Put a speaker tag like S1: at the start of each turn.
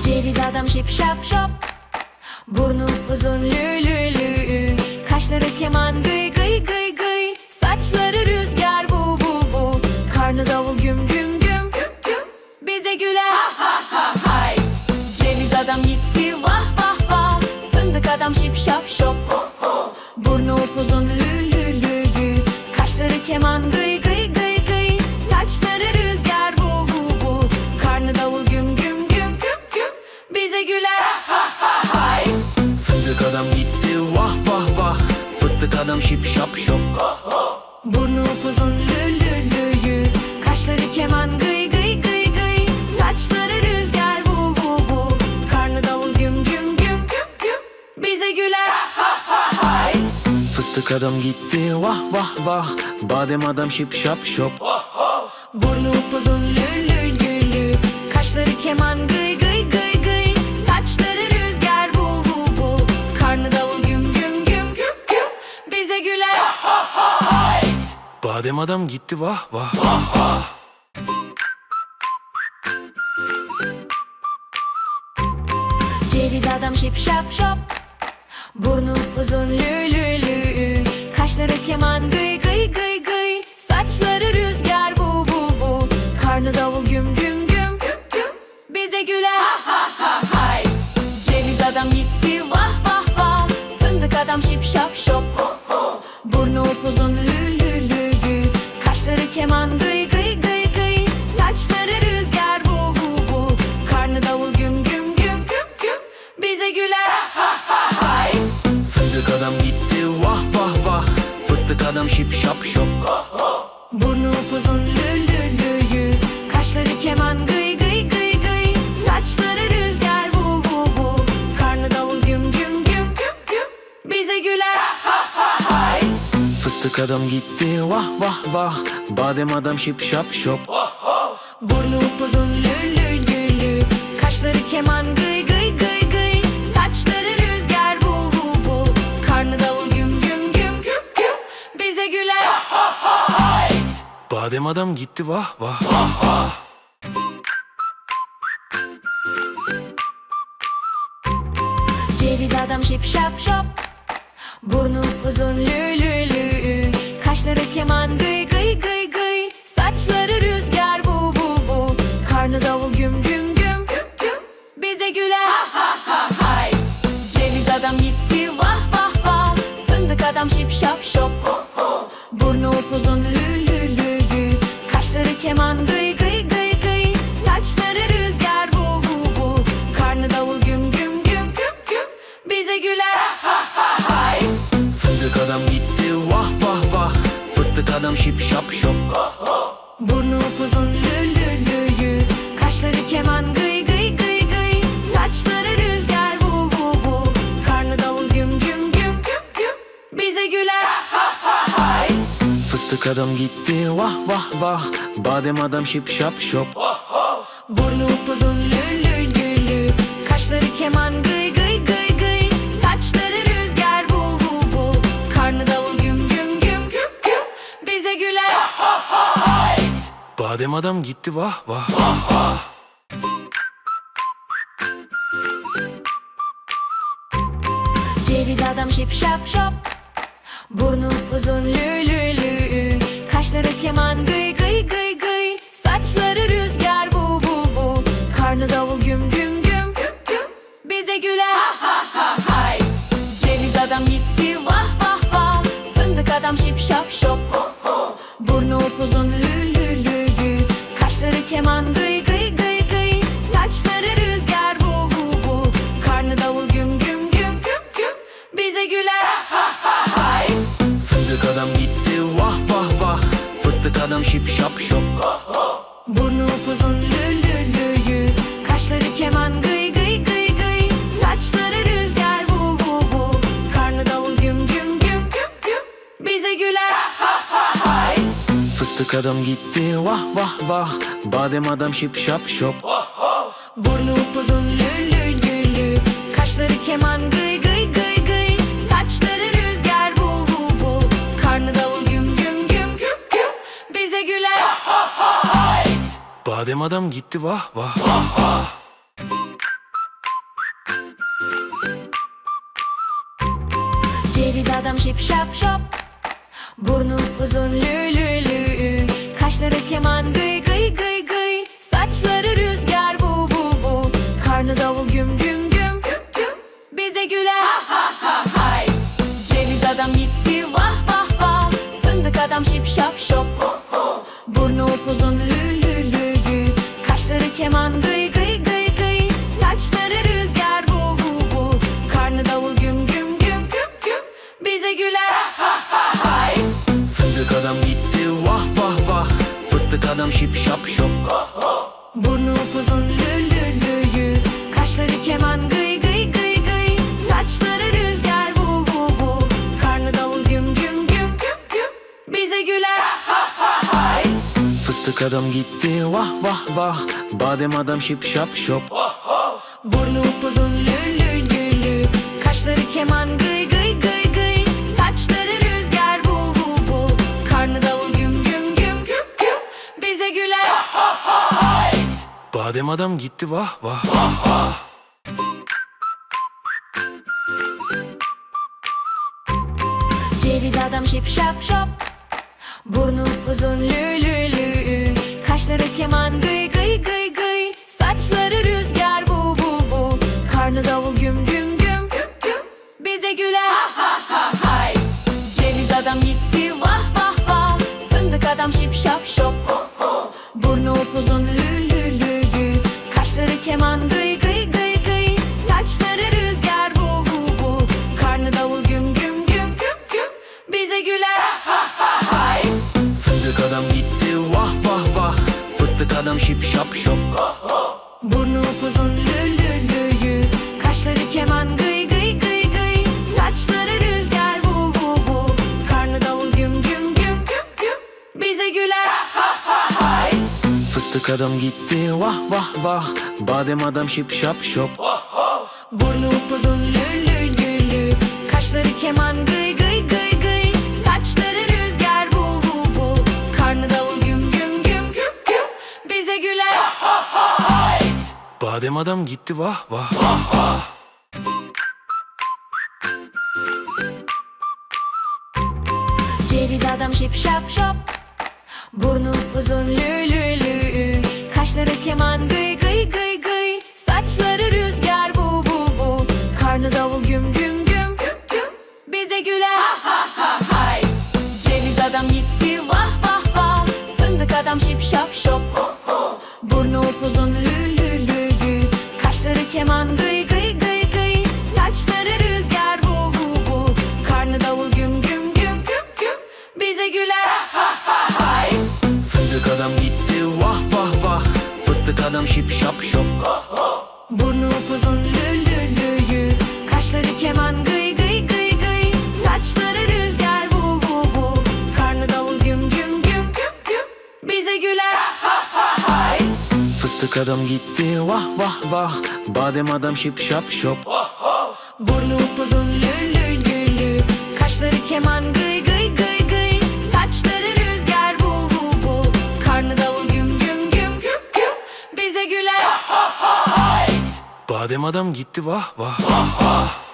S1: Ceviz adam şip şap şop, burnu uzun lü lü lü, kaşları keman gıy gıy gıy gıy, saçları rüzgar bu bu bu, karnı davul güm güm güm güm güm, bize güler ha ha ha hayt. Ceviz adam gitti vah vah vah, fındık adam şip şap şop, burnu upuzun lü lü lü lü, kaşları keman gıy gıy gıy gıy, saçları rüzgar bu bu bu, karnı davul güm güm güm güm güm, bize güler ha ha ha hayt.
S2: Fındık adam gitti vah vah vah, fıstık adam şip şap şop,
S1: burnu upuzun lü lü lü lü, kaşları keman gıy gıy gıy gıy, saçları rüzgar bu bu bu, karnı davul güm güm güm güm güm, bize güler ha ha hayt.
S2: fıstık adam gitti vah vah vah, badem adam şip şap şop,
S1: Burnu upuzun lü lü lü lü, kaşları keman gıy gıy gıy gıy, saçları rüzgar bu bu bu, karnı davul güm güm güm güm güm, bize güler ha ha hayt.
S2: badem adam gitti vah vah.
S1: Ceviz adam şip şap şop, burnu uzun lü lü lü, kaşları keman gıy gıy gıy gıy, saçları rüzgar bu bu bu, karnı davul güm güm güm güm güm, bize güler ha ha ha hayt. Ceviz adam gitti vah vah vah, fındık adam şip şap şop, burnu upuzun lü lü lü lü, kaşları keman gıy gıy gıy gıy, saçları rüzgar bu bu bu, karnı davul güm güm güm güm güm, bize güler ha ha hayt.
S2: Fındık adam gitti vah vah vah, fıstık adam şip şap şop,
S1: Burnu upuzun lü lü lü lü, kaşları keman gıy gıy gıy gıy, saçları rüzgar bu bu bu, karnı davul güm güm güm güm güm, bize güler ha ha hayt.
S2: fıstık adam gitti vah vah vah, badem adam şip şap şop,
S1: Burnu upuzun lü lü lü lü, kaşları keman gıy gıy gıy gıy, saçları rüzgar bu bu bu, karnı davul güm güm güm güm güm, bize güler ha ha hayt.
S2: badem adam gitti vah vah.
S1: Ceviz adam şip şap şop, burnu uzun lü lü lü, kaşları keman gıy gıy gıy gıy, saçları rüzgar bu bu bu, karnı davul güm güm güm güm güm, bize güler ha ha ha hayt. Ceviz adam gitti vah vah vah, fındık adam şip şap şop, burnu upuzun lü lü lü lü, kaşları keman gıy gıy gıy gıy, saçları rüzgar bu bu bu, karnı davul güm güm güm güm güm, bize güler ha ha hayt.
S2: Fındık adam gitti vah vah vah, fıstık adam şip şap şop,
S1: Burnu upuzun lü lü lü lü, kaşları keman gıy gıy gıy gıy, saçları rüzgar bu bu bu, karnı davul güm güm güm güm güm, bize güler ha ha hayt.
S2: fıstık adam gitti vah vah vah, badem adam şip şap şop,
S1: Burnu upuzun lü lü lü lü, kaşları keman gıy gıy gıy gıy, saçları rüzgar bu bu bu, karnı davul güm güm güm güm güm, bize güler ha ha hayt.
S2: badem adam gitti vah vah.
S1: Ceviz adam şip şap şop, burnu uzun lü lü lü, kaşları keman gıy gıy gıy gıy, saçları rüzgar bu bu bu, karnı davul güm güm güm güm güm, bize güler ha ha ha hayt. Ceviz adam gitti vah vah vah, fındık adam şip şap şop, burnu upuzun lü lü lü lü, kaşları keman gıy gıy gıy gıy, saçları rüzgar bu bu bu, karnı davul güm güm güm güm güm, bize güler ha ha hayt.
S2: Fındık adam gitti vah vah vah, fıstık adam şip şap şop,
S1: Burnu upuzun lü lü lü lü, kaşları keman gıy gıy gıy gıy, saçları rüzgar bu bu bu, karnı davul güm güm güm güm güm, bize güler ha ha hayt.
S2: fıstık adam gitti vah vah vah, badem adam şip şap şop,
S1: Burnu upuzun lü lü lü lü, kaşları keman gıy gıy gıy gıy, saçları rüzgar bu bu bu, karnı davul güm güm güm güm güm, bize güler ha ha hayt.
S2: badem adam gitti vah vah.
S1: Ceviz adam şip şap şop, burnu uzun lü lü lü, kaşları keman gıy gıy gıy gıy, saçları rüzgar vu vu vu, karnı davul güm güm güm güm güm, bize güler ha ha ha hayt. Ceviz adam gitti vah vah vah, fındık adam şip şap şop, burnu upuzun lü lü lü lü, kaşları keman gıy gıy gıy gıy, saçları rüzgar vu vu vu, karnı davul güm güm güm güm güm, bize güler ha ha ha hayt.
S2: Fındık adam gitti vah vah vah, fıstık adam şip şap şop,
S1: Burnu upuzun lü lü lü lü, kaşları keman gıy gıy gıy gıy, saçları rüzgar vu vu vu, karnı davul güm güm güm güm güm, bize güler ha ha hayt.
S2: fıstık adam gitti vah vah vah, badem adam şip şap şop,
S1: Burnu upuzun lü lü lü lü, kaşları keman gıy gıy gıy gıy, saçları rüzgar vu vu vu, karnı davul güm güm güm güm güm, bize güler ha ha hayt.
S2: badem adam gitti vah vah.
S1: Ceviz adam şip şap şop, burnu uzun lü lü lü, kaşları keman gıy gıy gıy gıy, saçları rüzgar vu vu vu, karnı davul güm güm güm güm güm, bize güler ha ha ha hayt. Ceviz adam gitti vah vah vah, fındık adam şip şap şop, burnu upuzun lü lü lü lü, kaşları keman gıy gıy gıy gıy, saçları rüzgar vu vu vu, karnı davul güm güm güm güm güm, bize güler ha ha hayt.
S2: Fındık adam gitti vah vah vah, fıstık adam şip şap şop,
S1: Burnu upuzun lü lü lü lü, kaşları keman gıy gıy gıy gıy, saçları rüzgar vu vu vu, karnı davul güm güm güm güm güm, bize güler ha ha hayt.
S2: fıstık adam gitti vah vah vah, badem adam şip şap şop,
S1: Burnu upuzun lü lü lü lü, kaşları keman gıy gıy gıy gıy, saçları rüzgar vu vu vu, karnı davul güm güm güm güm güm, bize güler ha ha hayt.
S2: badem adam gitti vah vah.
S1: Ceviz adam şip şap şop, burnu uzun lü lü lü, kaşları keman gıy gıy gıy gıy, saçları rüzgar vu vu vu, karnı davul güm güm güm güm güm, bize güler ha ha ha hayt. Ceviz adam gitti vah vah vah, fındık adam şip şap şop, burnu upuzun lü lü lü lü, kaşları keman gıy gıy gıy gıy, saçları rüzgar vu vu vu, karnı davul güm güm güm güm güm, bize güler ha ha hayt.
S2: Fındık adam gitti vah vah vah, fıstık adam şip şap şop,
S1: Burnu upuzun lü lü lü lü, kaşları keman gıy gıy gıy gıy, saçları rüzgar vu vu vu, karnı davul güm güm güm güm güm, bize güler ha ha hayt.
S2: fıstık adam gitti vah vah vah, badem adam şip şap şop,
S1: Burnu upuzun lü lü lü lü, kaşları keman gıy gıy gıy gıy, saçları rüzgar vu vu vu, karnı davul güm güm güm güm güm, bize güler ha ha hayt.
S2: badem adam gitti vah vah.